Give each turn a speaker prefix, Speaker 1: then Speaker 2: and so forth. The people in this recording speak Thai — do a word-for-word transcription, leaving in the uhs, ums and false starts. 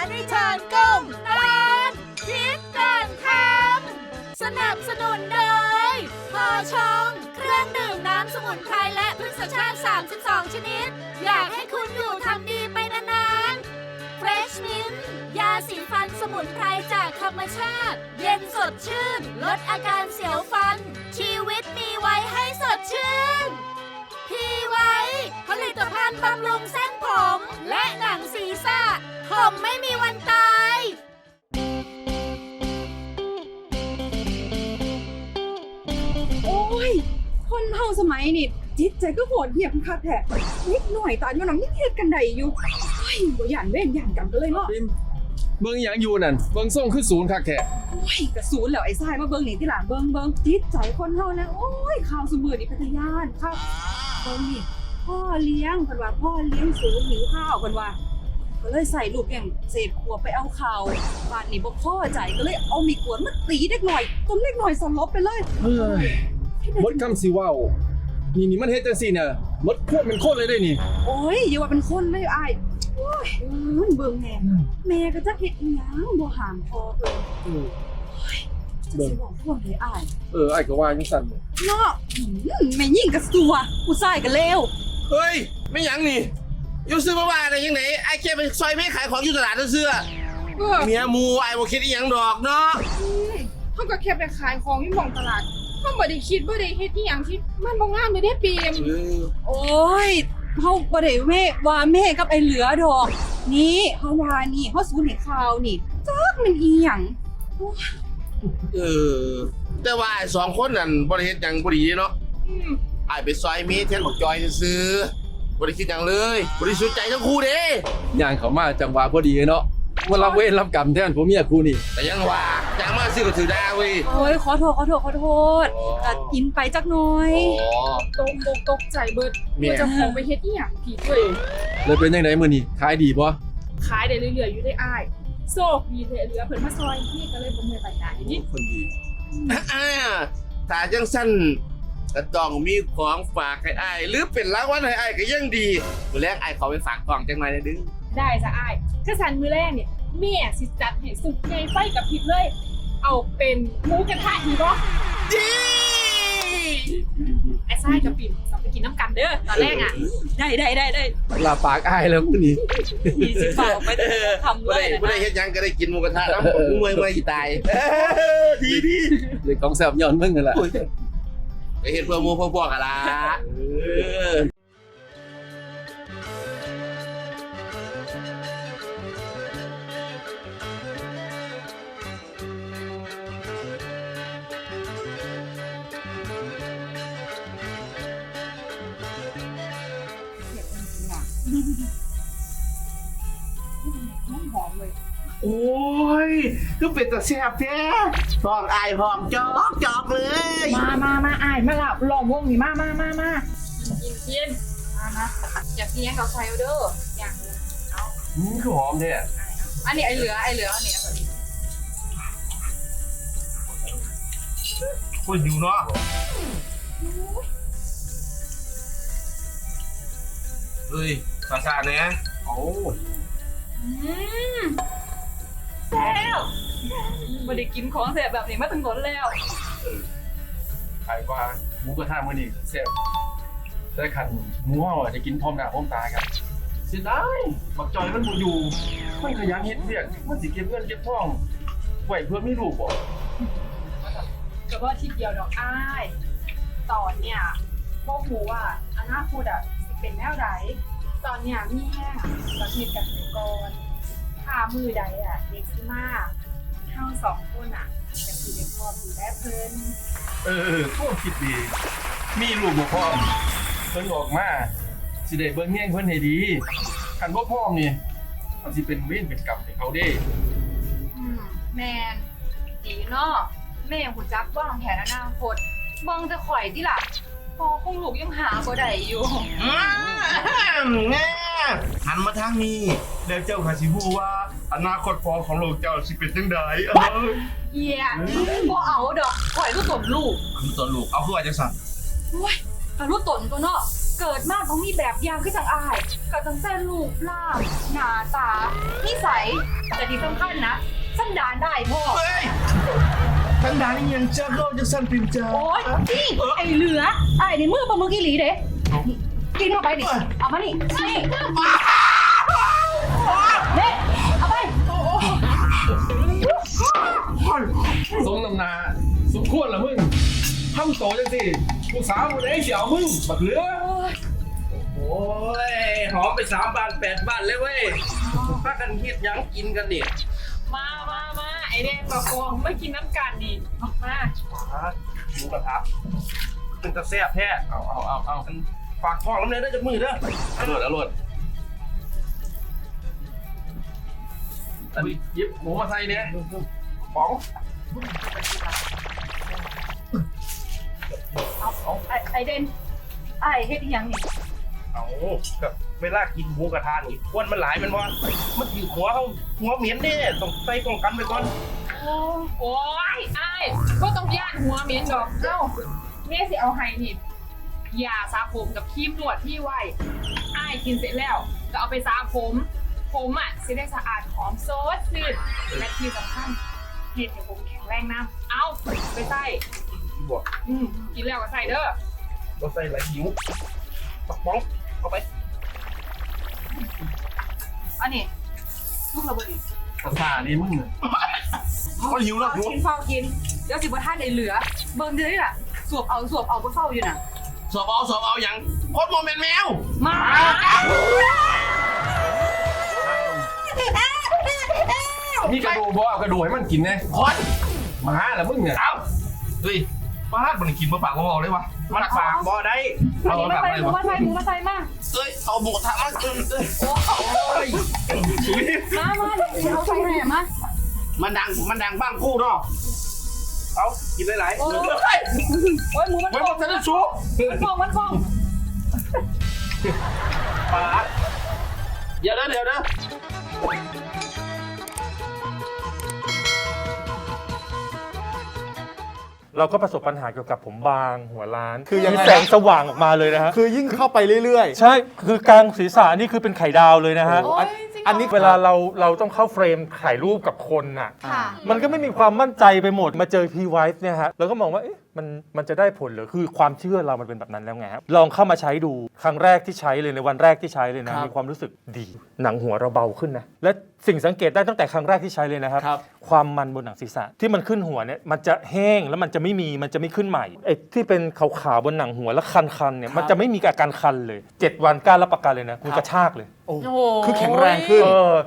Speaker 1: ริชานก้มตอนคิดก่อนทำสนับสนุนโดยพอชงเครื่องดื่มน้ำสมุนไพรและพืชชาติ สามสิบสอง ชนิด อยากให้คุณอยู่ทำดีไปนานๆ Fresh Mint ยาสีฟันสมุนไพรจากธรรมชาติ เย็นสดชื่น ลดอาการเสียวฟัน ชีวิตมีไว้ให้สดชื่น พีไว้ ผลิตภัณฑ์บำรุงเส้นผม และหนังศีรษะผมไม่มีวันตาย
Speaker 2: โอ้ยคนเฮาสมัยนี่จิตใจก็โหดเหี้ยมคักแท้นิดหน่อยตอนมันน้องยังเฮ็ดกันได้อยู่เฮ้ยบ่ย่านเว้นย่านกรรมกันเลยเนาะ
Speaker 3: ปิมเบิ่งหยังอยู่นั่นเบิ่งส่งคือศูนย์คักแท้
Speaker 2: โอ้ยกระสูนแล้วไอ้ทรายมาเบิ่งนี่ที่หลังเบิ่งเบิ่งจิตใจคนเฮานะโอ้ยข่าวซุมื้อนี่พัทยานครับเบิ่งนี่พ่อเลี้ยงเพิ่นว่าพ่อเลี้ยงศูนย์หิวข้าวเพิ่นว่าก็เลยใส่ลูกอย่างเศษขวดไปเอาข้าวบ้านนี้บ่พอใจก็เลยเอามีดกวดมาตีเด็กหน่อยจนเด็กหน่อยสลบไปเลย
Speaker 3: เฮ้ยหมดคำสิเว้านี่นี่มันเฮ็ดจังซี่น่ะหมดควบเป็นคนเลยได้นี่
Speaker 2: โอ้ยอย่าว่าเป็นคนเลยอ้ายโอ้ยมันเบิ่งแน่แม่ก็จักเฮ็ดอีหยังบ่ห้ามพ่อเพิ่น
Speaker 3: เออ
Speaker 2: จะสิบอกพวกเลยอ้าย
Speaker 3: เออไอ้ก็ว่าจังซั่น
Speaker 2: เนาะอืมแม่ยิ่งกระสัวผู้ชายก็เลว
Speaker 4: เฮ้ยไม่หยังนี่อยู่ซื้อมาบ้านอะไรยังไงไอ้แค่ไปซอยไม่ขายของอยู่ตลาดเสื้อ
Speaker 5: เออ
Speaker 4: เมียมูไอ้บ่คิดอีหยังดอกเนาะ
Speaker 5: เขาก็แค่ไปขายของที่หม่องตลาดเขาบ่ได้คิดบ่ได้เฮ็ดอีหยังที่มันบ่งามเลยเด้ปีม
Speaker 4: เออ
Speaker 2: โอ้ยเฮาบ่ได้แม่ว่าแม่กับไอ้เหลือดอก นี่เฮาว่านี่เฮาสูญให้ข่าวนี่จักมันอีหยัง
Speaker 4: เออแต่ว่าไอ้สองคนนั่นบ่ได้เฮ็ดหยังบ่ดีเนาะ
Speaker 5: อืม
Speaker 4: ไอ้ไปซอยเมียแทนบอกจอยซื้อบ่ได้คิดหยังเลยบ่ได้สนใจทั้งคู่เด้
Speaker 3: ย่างเข้ามาจังหวะพอดีเนาะว่ารับเวรรับกรรมแทนผัวเมียกูนี่
Speaker 4: แต่ยังว่าจางมาซื้อก็ถือได้เว้ย
Speaker 2: โอ้ยขอโทษขอโทษขอโทษ
Speaker 4: อ๋อ
Speaker 2: ก็กินไปจักหน่อย
Speaker 4: อ๋อ
Speaker 5: ตกตกตกใจเบิด
Speaker 4: แม่
Speaker 5: ว่าจะของไปเฮ็ดอีหยังผิดตัวเอง
Speaker 3: เลยเป็นจังไดมื้อนี้ขายดีบ่
Speaker 5: ขายได้เรื่อยๆอยู่ได้อ้ายโชคดีเทเหลือเพิ่นมาซอยพี่ก็เลยบ่เมื่อยไปไหนนี่
Speaker 3: คนดี
Speaker 4: อ่าถ้าจังสั้นก็ต้องมีของฝากให้อ้ายหรือเป็นรางวัลให้อ้ายก็ยังดีมื้อแรกอ้ายขอไปฝากกล่องจังหน่อยนะดึง
Speaker 5: ได้จ้ะอ้ายถ้าสันมื้อแรกเนี่ยแม่สิจัดให้สุดใหญ่ไฟกับพริบเลย เอาเป็นหมูกระทะดีบ่
Speaker 4: ดี
Speaker 5: ไอ้ทรายกับปิ่มเราไปกินน้ำกันเด้อตอนแรกอ่ะ
Speaker 2: ได้ได้ได้ได้
Speaker 3: ลาปากอ้ายแล้วมื้อนี้
Speaker 2: ยี่สิบบาทไปทำเล
Speaker 4: บ่ได้
Speaker 2: ยนะ
Speaker 4: บ่ได้เฮ็ดหยังก็ได้กินหมูกระทะน้ำผมเมื่อยเมื่อยสิตายเออดีดี
Speaker 3: เลยของแซ่บย้อนมึงนั่นแหละ
Speaker 4: ไปเฮ็ดเพื่อหมู่เพื่อพวกกันล่ะเออ
Speaker 2: หอมเลย
Speaker 4: โอ้ยคือเป็นตาแซ่บแท้ทองอายหอมจอกจอกเลย
Speaker 5: มามามาอ้ายมาหลับลองวงนี่มามามามากินกินมามาอยากกินยังกับไฟเด้ออยากเอา
Speaker 3: อืมคือหอมแท้
Speaker 5: อันนี้ไอเหลือไอเหลืออันนี้เอาไปดิ
Speaker 4: คนอยู่เนาะเฮ้ยภาษาเนี่ย
Speaker 3: โอ้
Speaker 5: อืมแซ่บไม่ได้กินของแซ่บแบบนี้มาตั้งนานแล้ว
Speaker 3: ขายว่าหมูกระทะมื้อนี้แซ่บแต่คันหมูเฮาอะจะกินพร้อมหน้าพร้อมตากันเสียดายบักจอยมันบ่อยู่มันขยันเฮ็ดเวียกมันสิเก็บเงินเก็บทองไว้เพื่อมีลูกบ่
Speaker 5: ก็ว่าทีเดียวดอกอ้ายตอนเนี่ยพวกหมูอ่ะอนาคตอ่ะสิเป็นแนวใดตอนเนี่ยมีแห้งประเทศกันไปก่อนถ้ามือใดอ่ะเด็กขึ้นมาเฮาสองคนอ่ะจะคือเด็กพ่อดูแลเพิ่น
Speaker 3: เออพวกคิดดี มีลูกบ่พร้อมเพิ่นออกมาสิได้เบิ่งแย่งเพิ่นให้ดีคันบ่พร้อมนี่มันสิเป็นเวรเป็นกรรมให้เขาเด้
Speaker 5: อืมแมนดีเนาะแม่หูจักว่างแผนอนาคตมองจะข่อยที่ล่ะพอคงลูกยังหาบ่ได้อยู่
Speaker 4: อืมแง่หันมาทางนี้แล้วเจ้าขาสิฮู้ว่าอนาคตพอของโลกเจ้าสิเป็นจังไดเออ
Speaker 5: เอียบ่เอาดอกข่อยก็ตนลูก
Speaker 4: มีตัวลูกเอาคือว่าจังซั่น
Speaker 5: โอ้ยกะรู้ตนตัวเนาะเกิดมาต้องมีแบบอย่างคือจังอายก็ตั้งแต่รูปร่างหน้าตานิสัย
Speaker 2: แต่ที่สำคัญนะสันดานได้พ่อ
Speaker 4: เฮ้ยทั้งดานนี่ยังเจ้าก็จะสั่นเป็นเจ้า
Speaker 2: โอ๊ยนี่ไอเหลือไอในมือปลาหมึกอีหลีเด้กินเข้าไปดิเอามานี่นี่เด็เอาไป
Speaker 3: สมน้ำหนาสมควรละมึงทำโตจังสิผู้สาวคนไหนเสียวมึงบักเหลือ
Speaker 4: โอ้ยหอมไปสามบ้านแปดบ้านเลยเว้ยพากันเฮ็ดหยังกินกันเนี่ย
Speaker 5: มามามาไอแดงกับฟองไม่กินน้ำกันนี่มา
Speaker 4: หมูกระทะเป็นตะแซ่บแท้เอาเอาเอาเอากันฝากท้องน้ำเนยได้จากมือเด้อ
Speaker 3: อร่อยอร่อยอันนี้ยิบหมูมาใส่เนี่ยป๋อง
Speaker 2: เอาไอไอเดนไอเฮ็ดอีหยังนี่
Speaker 4: เอากับเวลากินหมูกระทะนี่ควนมันหลายมันว่ามันถือหัวเขาหัวเหม็นเนี่ยต้องใส่ป้องกันไปก่อน
Speaker 5: โอ้ยไอ้ก็ต้องย่านหัวเหม็นดอกเอ้าแม่สิเอาให้นี่ยาสระผมกับครีมนวดพี่ไว้ไอ้กินเสร็จแล้วก็เอาไปสระผม ผมอ่ะสิได้สะอาดหอมโซดซื่นและที่สำคัญเห็ดให้ผมแข็งแรงน้ำเอาไปใส่
Speaker 4: ที่บอก
Speaker 5: อืมกินแล้วก็ใส่เด้อ
Speaker 4: เราใส่หลายหิวปักป้องเอาไป
Speaker 2: อันนี้ลูกระเบิดนี่
Speaker 3: ภาษานี่มึงเนี่ย
Speaker 4: มันหิวแล้วหิว
Speaker 2: กินเฝ้ากินเดี๋ยวสิบ่ท่านไอเหลือ เบิ่งเด้อน่ะสวบเอาสวบเอาบ่เฝ้าอยู่น่ะ
Speaker 4: สอบเอาสอบเอาอย่างคนโมเมนต์แมว
Speaker 2: มา
Speaker 3: มีกระดูกบ่เอากระดูกให้มันกินไง
Speaker 4: คน
Speaker 3: หมาละมึงเนี่ย
Speaker 4: เอาเฮ้ยป้าดมันกินมาปากมาบอกเลยวะมันปากบ่ได้
Speaker 2: อันนี้มาใส่หมูมาใส่หมูมาใส่มา
Speaker 4: เอ้ยเอาหมูกระทะมาเอ้ยเอ้ยโอ้ย
Speaker 2: มามาเดี๋ยวเอาใส่ให้มา
Speaker 4: มันดังมันดังบ้างคู่เนาะเอากินหลายๆ
Speaker 2: โอ้
Speaker 4: เฮ้ย
Speaker 2: ยโอ้ยหมูมัน
Speaker 4: ไม่
Speaker 2: ฟ
Speaker 4: บ
Speaker 2: อ
Speaker 4: อง กจะได้ชู
Speaker 2: มันฟองมันฟอง
Speaker 4: ป้าดเดี๋ยวนะเดี๋ยวนะ
Speaker 6: เราก็ประสบปัญหาเกี่ยวกับผมบางหัวล้าน
Speaker 7: คือยังไง
Speaker 6: มีแสงสว่างออกมาเลยนะฮะ
Speaker 7: คือยิ่งเข้าไปเรื่อย
Speaker 6: ใช่คือกลางศีรษะนี่คือเป็นไข่ดาวเลยนะฮะ
Speaker 7: โอ้ย อันนี้
Speaker 6: เวลาเราเราต้องเข้าเฟรมถ่ายรูปกับคนน่ะ
Speaker 1: ค่ะ
Speaker 6: มันก็ไม่มีความมั่นใจไปหมดมาเจอพีไวท์เนี่ยฮะเราก็มองว่าเอ๊ะมันมันจะได้ผลเหรือคือความเชื่อเรามันเป็นแบบนั้นแล้วไงครับลองเข้ามาใช้ดูครั้งแรกที่ใช้เลยในวันแรกที่ใช้เลยนะมีความรู้สึกดี หนังหัวเราเบาขึ้นนะและสิ่งสังเกตได้ตั้งแต่ครั้งแรกที่ใช้เลยนะครับ
Speaker 7: ครับ
Speaker 6: ความมันบนหนังศีรษะที่มันขึ้นหัวเนี่ยมันจะแห้งแล้วมันจะไม่มีมันจะไม่ขึ้นใหม่ไอ้ที่เป็นขาวๆบนหนังหัวแล้วคันๆเนี่ยมันจะไม่มีอาการคันเลยเจ็ดวันกล้ารับประกันเลยนะคุณกระชากเลย
Speaker 7: โอ้
Speaker 1: โอ้โห
Speaker 7: คือแข็งแรงขึ้น
Speaker 6: เออ